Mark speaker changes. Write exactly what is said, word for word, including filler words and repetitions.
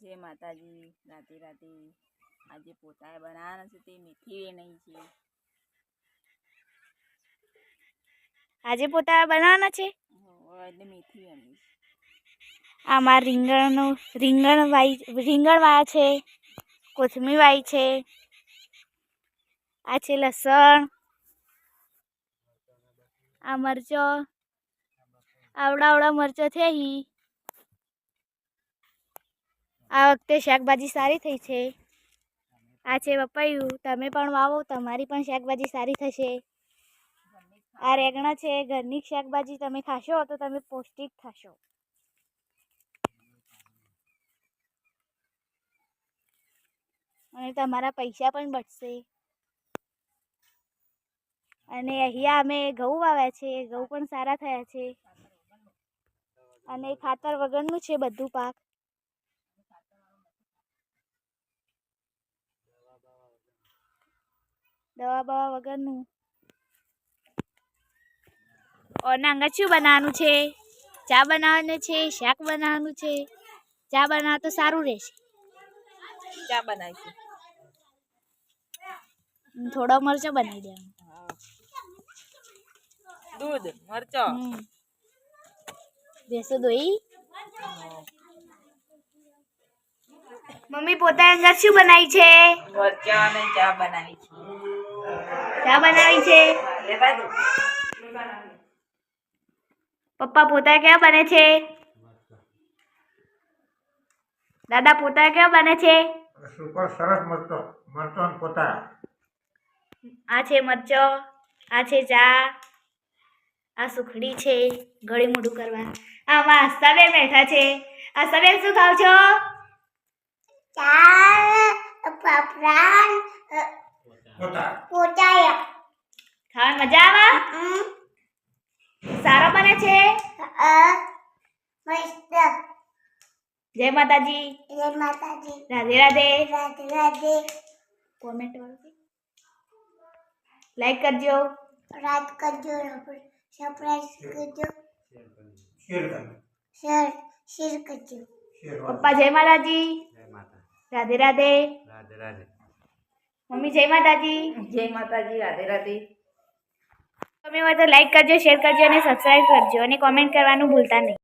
Speaker 1: जय माताजी। राधे राधे। आज पोता बनाना से ते मीठी नहीं छे।
Speaker 2: आज पोता बनाना छे
Speaker 1: એટલે મીઠી બની
Speaker 2: आमार રીંગણ રીંગણ વાઈ રીંગણ વાયા છે, કોથમીર વાઈ છે, आ छे लसण, आ मरचो आवड़ा आवड़ा मरचो थे ही। आ वखते शाकभाजी सारी थई छे। आ छे पपैયું, तमे पण वावो तमारी पण शाकभाजी सारी थशे। आ रेगणा छे, घरनी शाकभाजी तमे खाशो तो तमे पौष्टिक थशो। अने तमारा पैसा पण बचशे। अने अहींया अमे घऊं वाव्या छे, घऊं पण सारा थया छे अने खातर वगरनुं छे बधुं पाक। दवा बवा वगरनुं। और नांगा शुं बनाववानुं छे? चा बनाववानी छे, शाक बनाववानुं छे। चा बनावो तो सारूं रहेशे।
Speaker 1: चा बनावी
Speaker 2: थोड़ो मरचो बनावी देवानो।
Speaker 1: दूध मरचो
Speaker 2: भैंसो दोई। मम्मी पोता अंदर शुं बनावी छे?
Speaker 1: मरचा ने चा बनावी छे।
Speaker 2: चा बनावी छे। पप्पा पोता क्या बने छे? दादा पोता क्या बने छे?
Speaker 3: सुपर सरस मरचो मरचो ने पोता।
Speaker 2: आ छे मरचो, आ छे चा, आ सुखड़ी छे गळे मोढुं करवा। आमां हस्ताबेन बैठा छे। हस्ताबेन शुं खाव छो? चा पापड़ा
Speaker 3: पोता
Speaker 2: पोता। खावानी मजा आवे? सारो बने छे? मस्त। जय माताजी। जय माताजी। राधे राधे। राधे राधे। कमेंट वालो लाइक करजो, रात करजो, सब्सक्राइब करजो,
Speaker 3: शेर कर
Speaker 2: शेयर शेयर करजो।
Speaker 3: शेर
Speaker 2: पप्पा जय माताजी।
Speaker 3: जय माता
Speaker 2: राधे राधे।
Speaker 3: राधे राधे।
Speaker 2: मम्मी जय माताजी।
Speaker 1: जय माताजी। राधे राधे।
Speaker 2: તમે હોય તો લાઈક કરજો, શેર કરજો અને સબસ્ક્રાઇબ કરજો અને કોમેન્ટ કરવાનું ભૂલતા નહીં।